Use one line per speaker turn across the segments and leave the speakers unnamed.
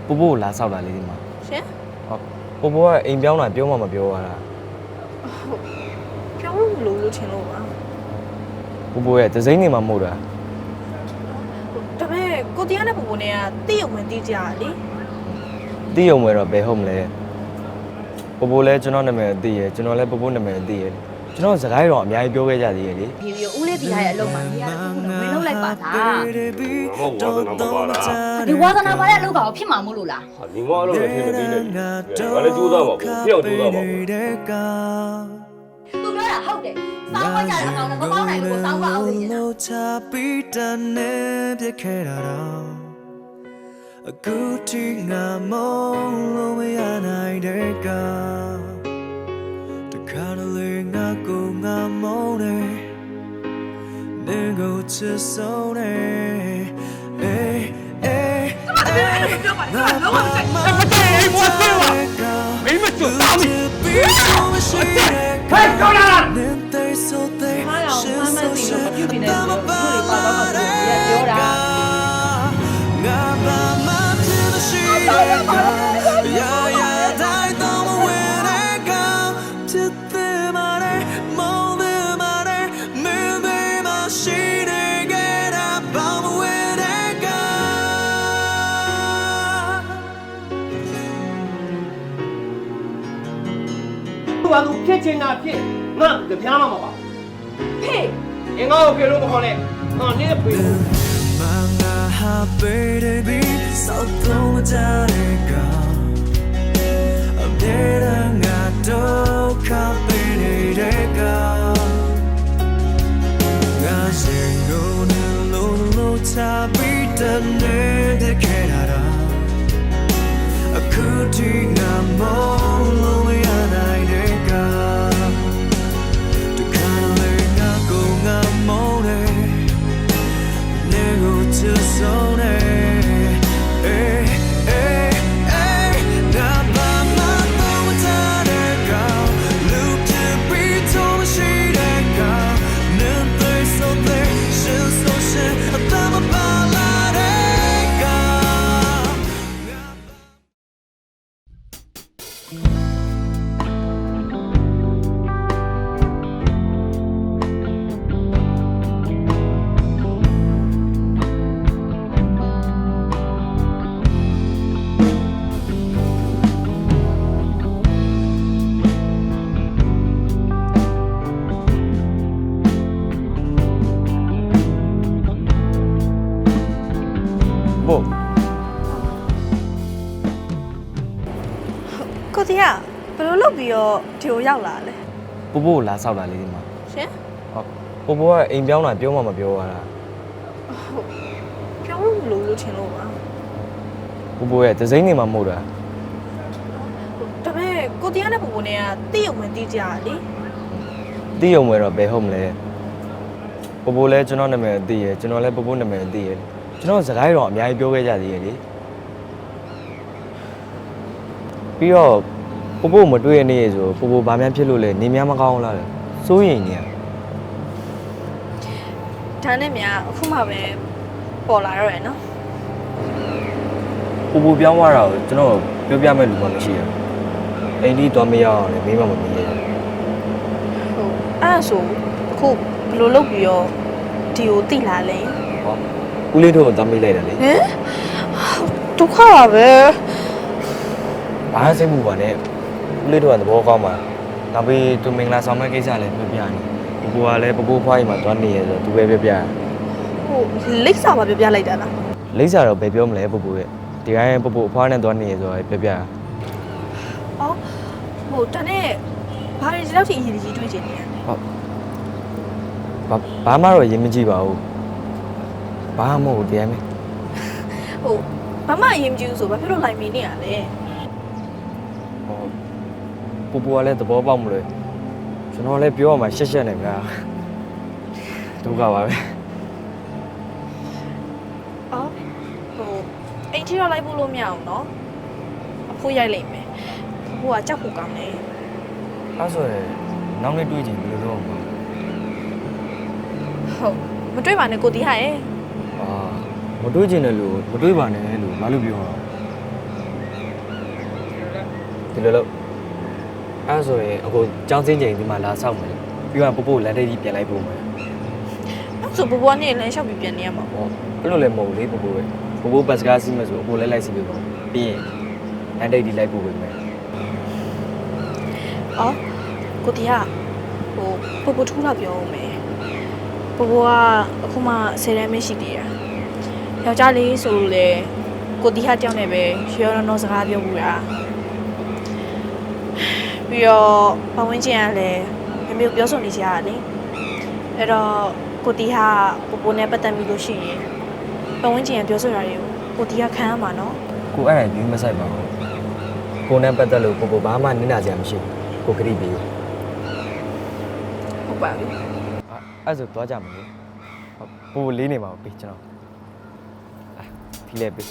ပို့ဖို့လာဆောက်တာလေးဒီမှာ
ရှင်
ဟုတ်ပို့ကအိမ်ပြောင်းလာပြောမှမပြောရတာ
ပြောင်းလို့ထင်လို့ပါ
ပို့ရဲ့ဒဇိမ့်နေမှာမဟုတ်တာ
ဒါပေမဲ့ကိုတရားနဲ့ပူပူနဲ့ကတိရုံဝင်တီးကြရလေ
တီးရုံပဲတော့ဘယ်ဟုတ်မလဲပို့လဲကျွန်တော်နာမည်သိရကျွန်တော်လည်းပို့နာမည်သိရကျွန်တော်စကားရောအများကြီးပြောခဲ့ကြသေးရဲ့လေ
ဒီဦးလေးဒီရဲ့အလုပ်မှာနေရတယ်ဝင်လုံးလိုက်ပါလား
မဟုတ်ဝါသနာမပါလား
ဒီဝါသနာပါတဲ့အလုပ်ကောင်ဖြစ်မှာမို့လို့လား
ဟာဒီငါအလုပ်နဲ့ထင်မသိနေပြီငါလည်းကြိုးစားပါဘူးဖျောက်ကြိုးစားပါဘူး
သူပြောတာဟုတ်တယ်စောင်းဝကြတဲ့အကောင်နဲ့မပေါင်းနိုင်လို့စောင်းပါအောင်နေတယ်
အခုထိငါမလို့မရနိုင်တဲ့ကတခါတလေငါကိုငါမုန်းတယ်နေကိုချစ်ဆုံးတယ်အေးအေးငါမမမမ
没么就打你
ဟဲ့
ကောင်းလား
နေသေးဆိုသေး
အားရောမမသိလို့မပြုတ်ပြနေတယ်လို့သူတွေပါတော့မှသူတွေပြောတာ
ငါဘာမှမရှိရရတိုင်းတော့မဝင်တဲ့ကောင်ဖြစ်တဲ့မာရဲမောင်းတဲ့မာရဲမင်းသေးမရှိတဲ့ကဲတာဘာမဝင်တဲ့ကောင်
ဘာလို့ဖြစ်ချင်တာဖြစ်ငါကြပြားမှာမပါ
ဖေး
အင်္ဂါကိုပြေလို့မခေါ်နဲ့ငါနင်းပြေလို့
Manga baby so don't jare ka Abdera nga do ka baby ka Ga singo ne lo cha bi ta ne de kerara Akuti nga mo lo ya dai de ka De kale nga go nga mo de Just so hey, hey, hey, now by my phone, that girl, look to be told she that girl, nothing so there, she's so shit, I'm about that girl.
ပို့
ကိုတရားဘယ်လိုလုပ်ပြီးတော့ဒီကိုရောက်လာလဲ
ပို့လာဆောက်တာလေးဒီမှာ
ရှင်
ဟုတ်ပို့ကအိမ်ပြောင်းလာပြောမှမပြောရတာ
ပြောင်းလို့ထင်လို့ပါ
ပို့ရဲ့ဒဇိမ့်နေမှာမဟုတ်တာ
ဒါပေမဲ့ကိုတရားနဲ့ပူပူနဲ့ကတိရုံဝင်တီးကြရလေ
တီးရုံပဲတော့ဘယ်ဟုတ်မလဲပို့လဲကျွန်တော်နာမည်သိရကျွန်တော်လည်းပို့နာမည်သိရကျွန်တော်စကားရောအများကြီးပြောခဲ့ကြသေးရဲ့လေပြီးတော့ပို့မတွေ့ရနေရဆိုပို့ဘာမှဖြစ်လို့လဲနေများမကောင်းလားလေစိုးရိမ်နေရ
ဒါနဲ့မြအခုမှပဲပေါ်လာတော့ရယ်နော်
ပို့ပြောင်းသွားတာကိုကျွန်တော်ပြောပြမဲ့လူမှမရှိဘူးအိမ်ကြီးတော့မရအောင်လေမိမမမီးရ
ဟုတ်အဲ့ဒါဆိုအခုဘယ်လိုလုပ်ပြီးတော့ဒီကိုတိလာလဲ
ဟောဦးလေးတို့ကိုတမ်းမိလိုက်တယ်လေ
ဟမ်ဒုက္ခပါပဲ
ဘာစိတ်မှုပါနဲ့ဦးလေးတို့ကသဘောကောင်းပါနောက်ပြီးသူမင်္ဂလာဆောင်မဲ့ကိစ္စလည်းပြောပြနေပို့ကလည်းပို့ဖွားကြီးမှာတွားနေရဆိုသူပဲပြောပြ
ဟိုလိပ်စာပါပြလိုက်တာလား
လိမ့်စာတော့ဘယ်ပြောမလဲပို့ရဲ့ဒီတိုင်းပို့အဖွားနဲ့တွားနေရဆိုပြောပြ
အော်ဟိုတနေ့ဘာတွေဒီလောက်ထိအရေးကြီးတွေးချင်နေရလဲ
ဘာမှတော့ရင်မကြည့်ပါဘူးဘာမှမဟုတ်တရားမဲ
ဟိုဘာမှအရေးမကြီးဘူးဆိုဘာဖြစ်လို့လိုက်မနေရလဲ
ပို့ကလည်းသဘောပေါက်မလို့ကျွန်တော်လည်းပြောရမှာရှက်ရှက်နေဗျာဒုက္ခပါပဲ
အော်ဟိုအိမ်ထိတော့လိုက်ဖို့လို့မရအောင်နော်အဖိုးရိုက်လိုက်မယ်အဖိုးကကြောက်ဖို့ကောင်းတယ်
အဲ့ဆိုရင်နောက်နေ့တွေ့ကြည့်ဘယ်လိုလုပ်အောင်
ဟုတ်မတွေ့ပါနဲ့ကိုတီးဟာရဲ့
အာမတွေးကျင်တယ်လို့မတွေးပါနဲ့လို့ဘာလို့ပြောတာဒီလိုလို့အဲ့ဆိုရင်အခုကြောင်းစင်းချိန်ဒီမှာလာဆောက်မယ်ပြီးတော့ပို့လန်ဒိတ်ကြီးပြန်လိုက်ပို့မယ်
အဲ့ဆိုဘဘွားနေလမ်းလျှောက်ပြီးပြန်နေရမှာပေါ့
အဲ့လိုလည်းမဟုတ်လေပို့ဘတ်စကားစီးမယ်ဆိုအကိုလည်းလိုက်စီးပေးပါပြီးရင်လန်ဒိတ်ကြီးလိုက်ပို့ပေးမယ်
အော်ကိုတီးကဟိုပပထူလာပြောဦးမယ်ဘဘွားကအခုမှ10တန်းမရှိသေးတာယောက်ျားလေးဆိုလို့လေကိုတီးဟာတောင်းနေပဲရောနော်စကားပြောဘူးလားပြီးတော့ပဝင်းကျင်ကလည်းမမျိုးပြောဆိုနေကြရတယ်အဲ့တော့ကိုတီးဟာပနဲ့ပတ်သက်ပြီးလို့ရှိရင်ပဝင်းကျင်ကပြောဆိုရတယ်ကိုတီးကခံရမှာနော်
ကိုအဲ့ဒါကြီးမဆိုင်ပါဘူးကိုနဲ့ပတ်သက်လို့ပို့ဘာမှနင်းနာစရာမရှိဘူးကိုခရီးပေး
ဟုတ်ပါပြီ
အဲ့ဆိုသွားကြမယ်လေပို့လေးနေပါဦးပေးကျွန်တော်ဖီးလဲပေး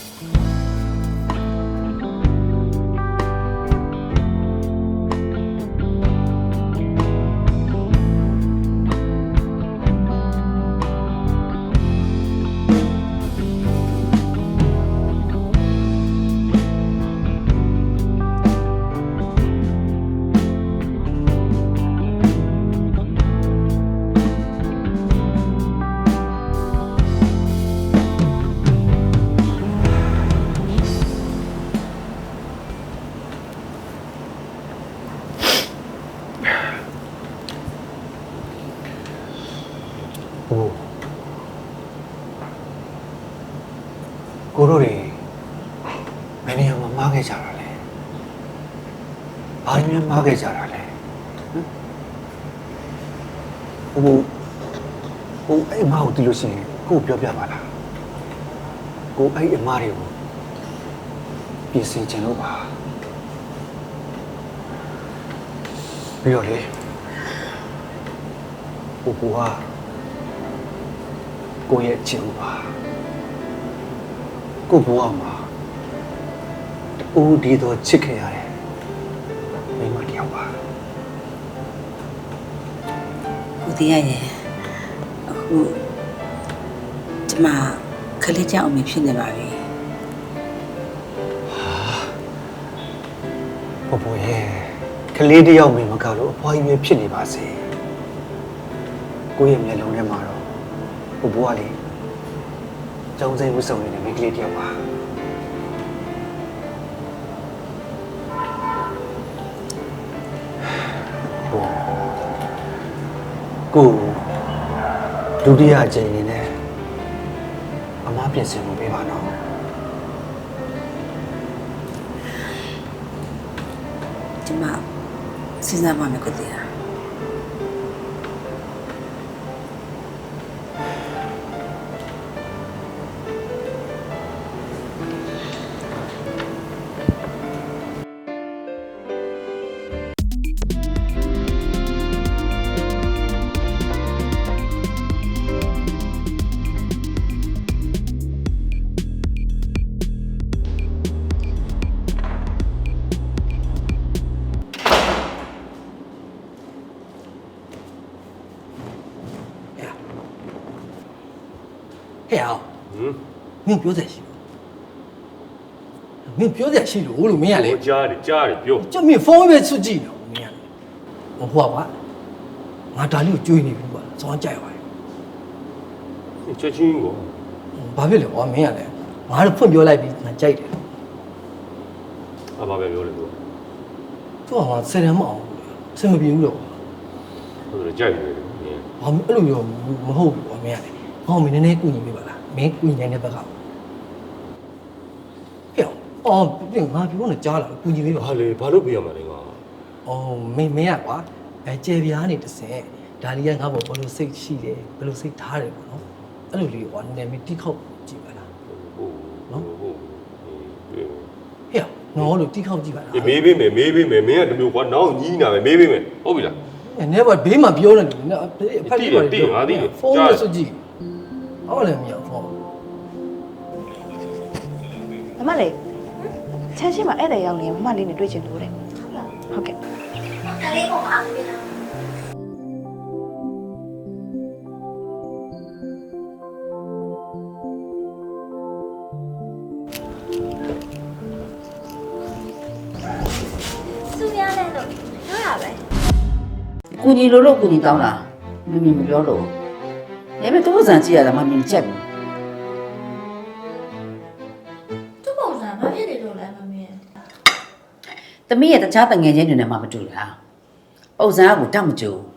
ကိုတို့တွေမင်းနေရာမှာမားခဲ့ကြတာလဲဘာလို့များမားခဲ့ကြတာလဲဟိုအဲ့အမားကိုတီးလို့ရှိရင်ကိုပြောပြပါလားကိုအဲ့အမားတွေကိုပြင်ဆင်ချင်လို့ပါပြီးတော့လေကိုကကိုရဲ့ချစ်ဦးပါကိုဘဝမှာတူဒီတော့ချစ်ခဲ့ရတယ်မိမတယောက်ပါ
ကိုတီးရရဲ့အခုဒီမှာခလေးကြောင်အမေဖြစ်နေပါပြီ
ဘရဲ့ကလေးတယောက်မိမကလို့အဖွားကြီးပဲဖြစ်နေပါစေကိုရဲ့မျက်လုံးထဲမှာတော့ဘဝလေးကျောင်းစိမ်းဝတ်စုံနေတဲ့မိန်းကလေးတယောက်ပါကိုဒုတိယအကြိမ်အနေနဲ့အမားပြင်ဆင်မှုပေးပါနော်
ဒီမှာစဉ်းစားပါမယ်ကိုတီးရ
ဟဲ့အောင်မင်းပြောစရာရှိဘူးမင်းပြောစရာရှိလို့မင်းကလေ
ကြားတယ်ပြော
ကျမင်းဖုန်းပဲဆွကြည့်နေမင်းကဟိုကွာငါဒါလေးကိုကြွေးနေပြီကွာစောင်းကြိုက်သွားတယ်
ချက်ချင်းကို
ဘာဖြစ်လဲကွာမင်းကလည်းငါတို့ဖွင့်ပြောလိုက်ပြီငါကြိုက်တယ်
ဘာပဲပြောလဲသူ
သူကငါ10တန်းမအောင်စင်မပြေဘူးတော့
ဟုတ်တယ်ကြိုက်တယ်
ဘာအဲ့လိုမျိုးမဟုတ်ဘူးကွာမင်းကလည်းဟောမင်းနည်းနည်းကူညီပေးပါလားမင်းကူညီနေတဲ့ဘက်ကဟဲ့အော်ပြင်ငါပြောနေကြားလာကူညီပေးပါ
ဘာလဲဘာလို့ပြရမှာလဲငါ
အော်မင်းကကွာကျေပြားနေတစင်ဒါလေးကငါ့ဘောဘယ်လိုစိတ်ရှိတယ်ဘယ်လိုစိတ်ထားတယ်ပေါ့နော်အဲ့လိုလေးကွာနည်းနည်းမတိခောက်ကြည့်ပါလား
ဟုတ်ဟုတ်
ဟဲ့နော်လို့တိခောက်ကြည့်ပါလား
မေးပေးမယ်မင်းကတမျိုးကွာနောက်ညီးနာမယ်မေးပေးမယ်ဟုတ်ပြီလား
နည်းပါဘေးမှာပြောနေတယ်နော်အဖက်လေးပါဖုန်းနဲ့စွကြည့်အော်လည်းမရဖုန်း
မမလေးချမ်းရှိမှာဧည့်သည်ရောက်နေမမလေးနဲ့တွေ့ချင်လို့တဲ့ဟုတ်ကဲ့
ကလေးပုံအားပေးတာ
က
တော့ပြောရပဲ
ကူညီလို့ကူညီတောင်းတာမမီမပြောလို့ဒါပေမဲ့သူ့ဇန်ကြည့်ရတာမမီချက်ဘူး
သူ့ပုံစံဘာဖြစ်နေလို့လဲမမင်း
သမီးရဲ့တခြားတငယ်ချင်းတွေနဲ့မှမတူလားပုံစံကကိုတတ်မကြဘူး